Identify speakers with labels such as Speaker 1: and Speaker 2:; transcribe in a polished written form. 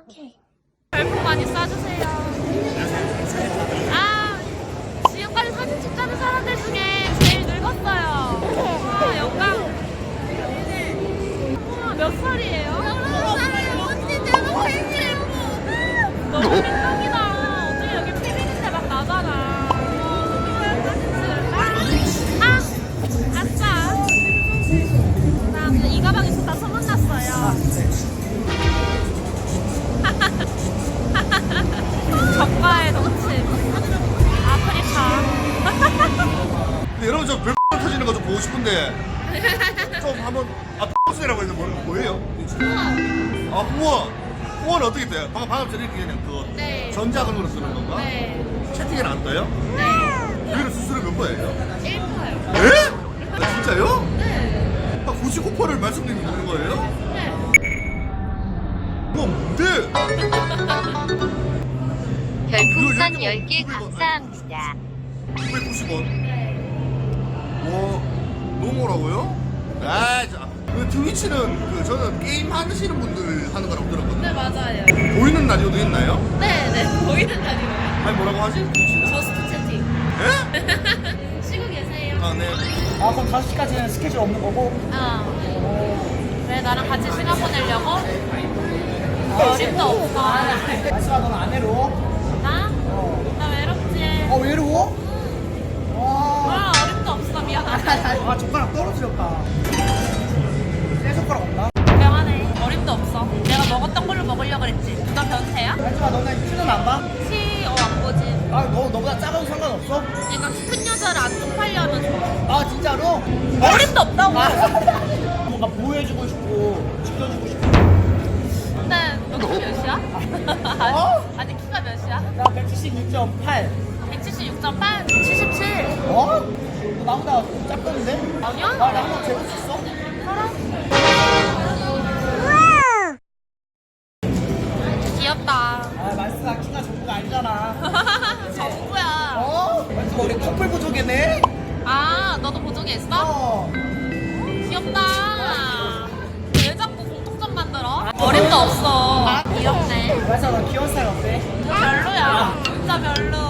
Speaker 1: 오케이.
Speaker 2: 별풍 많이 쏴주세요. 아, 지금까지 사진 찍자는 사람들 중에 제일 늙었어요. 아, 영광. 우와, 몇 살이에요?
Speaker 1: 16살이에요. 언니 대박 생일.
Speaker 2: 너무 빈정이다. 어떻게 여기 피비린내 막 나잖아. 아, 아싸. 나 근데 이 가방이 좋다 소문났어요. 적과의 동침. 아프리카.
Speaker 3: 근데 여러분 저 별풍 터지는 거 좀 보고 싶은데 좀 한번 X이라고 해서 뭐예요? 아 후원 후원은 어떻게 돼요? 방금 전에 그냥 그
Speaker 2: 네.
Speaker 3: 전자근으로 쓰는 건가?
Speaker 2: 네.
Speaker 3: 채팅에는 안 떠요?
Speaker 2: 네.
Speaker 3: 여기는 수수료 몇 번이에요?
Speaker 2: 1%요.
Speaker 3: 에? 아, 진짜요?
Speaker 2: 네.
Speaker 3: 99%를 말씀드리는 거예요?
Speaker 2: 네.
Speaker 3: 뭐 뭔데?
Speaker 4: 별풍선 10개 감사합니다.
Speaker 3: 990원.
Speaker 2: 네.
Speaker 3: 와, 너무라고요? 아, 그 트위치는 그 저는 게임 하시는 분들 하는 거라고 들었거든요.
Speaker 2: 네, 맞아요.
Speaker 3: 보이는 라디오도 있나요?
Speaker 2: 네, 네. 보이는 라디오요.
Speaker 3: 아니 뭐라고 하지? 트위치는?
Speaker 2: 저스트 채팅.
Speaker 3: 예?
Speaker 2: 쉬고 계세요.
Speaker 3: 아, 네.
Speaker 5: 아 그럼 5시까지는 스케줄 없는 거고?
Speaker 2: 왜 나랑 같이 시간 보내려고? 어림도 없어.
Speaker 5: 아시아 너는 안 외로워?
Speaker 2: 나? 나 외롭지.
Speaker 5: 외로워? 와.
Speaker 2: 어림도 없어. 미안하다.
Speaker 5: 아 젓가락 떨어뜨렸다. 새 젓가락 없나?
Speaker 2: 미안하네. 어림도 없어. 내가 먹었던 걸로 먹으려고 그랬지. 누가 변태야?
Speaker 5: 하지마 너는 키는 안 봐?
Speaker 2: 안 보지.
Speaker 5: 아 너보다 작아도 상관없어?
Speaker 2: 그러니까 큰 여자를 안 쪽팔려면 좋아.
Speaker 5: 아 진짜로?
Speaker 2: 어림도 없다고.
Speaker 5: 뭔가 보호해주고 싶고 지켜주고 싶고.
Speaker 2: 근데 너 키 몇이야?
Speaker 5: 어?
Speaker 2: 아니 키가 몇이야?
Speaker 5: 나 176.8.
Speaker 2: 176.8, 77.
Speaker 5: 어? 너 나보다 작던데?
Speaker 2: 아니야?
Speaker 5: 나 한번 재볼 수 있어?
Speaker 2: 귀엽다.
Speaker 5: 아 말스가 키가 전부가 아니잖아.
Speaker 2: 정부야.
Speaker 5: 어? 말스가 우리 커플 부족이네?
Speaker 2: 아, 너도 보정에 있어?
Speaker 5: 어.
Speaker 2: 귀엽다. 왜 자꾸 공통점 만들어? 어림도 없어. 귀엽네.
Speaker 5: 말스가 너 귀여운 스타일 어때?
Speaker 2: 별로야. 진짜 별로.